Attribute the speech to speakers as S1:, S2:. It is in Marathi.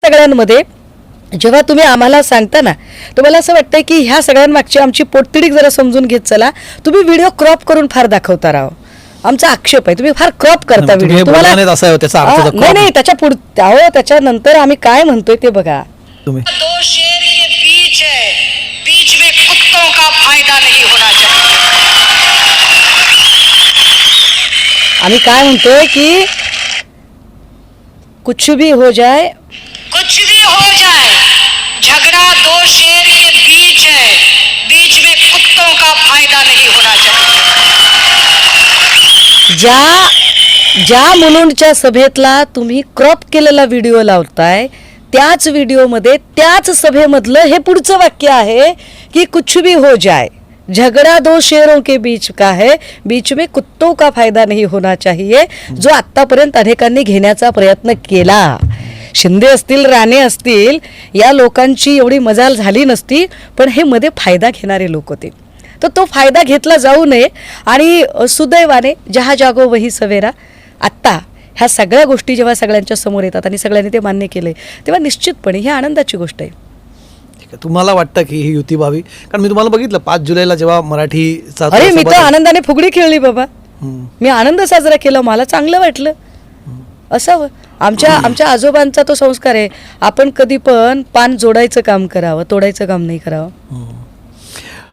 S1: सगळ्यांमध्ये जेव्हा तुम्ही आम्हाला सांगता ना, तुम्हाला असं वाटतंय की ह्या सगळ्यांमागची आमची पोटतिडीक जरा समजून घेत चला. तुम्ही व्हिडिओ क्रॉप करून फार दाखवता राव. आमचा आक्षेप आहे, तुम्ही फार क्रॉप करता व्हिडिओ. नाही नाही, त्याच्यानंतर आम्ही काय म्हणतोय ते बघा.
S2: तुम्ही
S3: दो शेर के बीच है, बीच में कुत्तों का फायदा नहीं होना चाहिए.
S1: आम्ही काय म्हणतोय की कुछ भी हो जाए,
S3: कुछ भी हो जाए, झगड़ा दो शेर के बीच है, बीच में कुत्तों का फायदा नहीं होना चाहिए.
S1: ज्या मुलुंडच्या सभेतला तुम्ही क्रॉप केलेला व्हिडिओ लावताय, त्याच व्हिडिओमध्ये त्याच सभेमधलं हे पुढचं वाक्य आहे की कुछ भी हो जाए, झगड़ा दो शेरों के बीच का है, बीच में कुत्तों का फायदा नहीं होना चाहिए, जो आत्तापर्यंत अनेकांनी घेण्याचा प्रयत्न केला. शिंदे असतील, राणे असतील, या लोकांची एवढी मजाल झाली नसती, पण हे मध्ये फायदा घेणारे लोक होते. तर तो फायदा घेतला जाऊ नये. आणि सुदैवाने जहा जागो वही सवेरा, आत्ता ह्या सगळ्या गोष्टी जेव्हा सगळ्यांच्या समोर येतात आणि सगळ्यांनी ते मान्य केले, तेव्हा निश्चितपणे ही आनंदाची गोष्ट आहे.
S2: तुम्हाला वाटतं की ही युती व्हावी? कारण मी तुम्हाला बघितलं 5 जुलैला जेव्हा मराठीचा
S1: अरे मी तर आनंदाने फुगडी खेळली बाबा. मी आनंद साजरा केला, मला चांगलं वाटलं. असावं. आमच्या आजोबांचा तो संस्कार आहे, आपण कधी पण पान जोडायचं काम करावं, तोडायचं काम नाही करावं.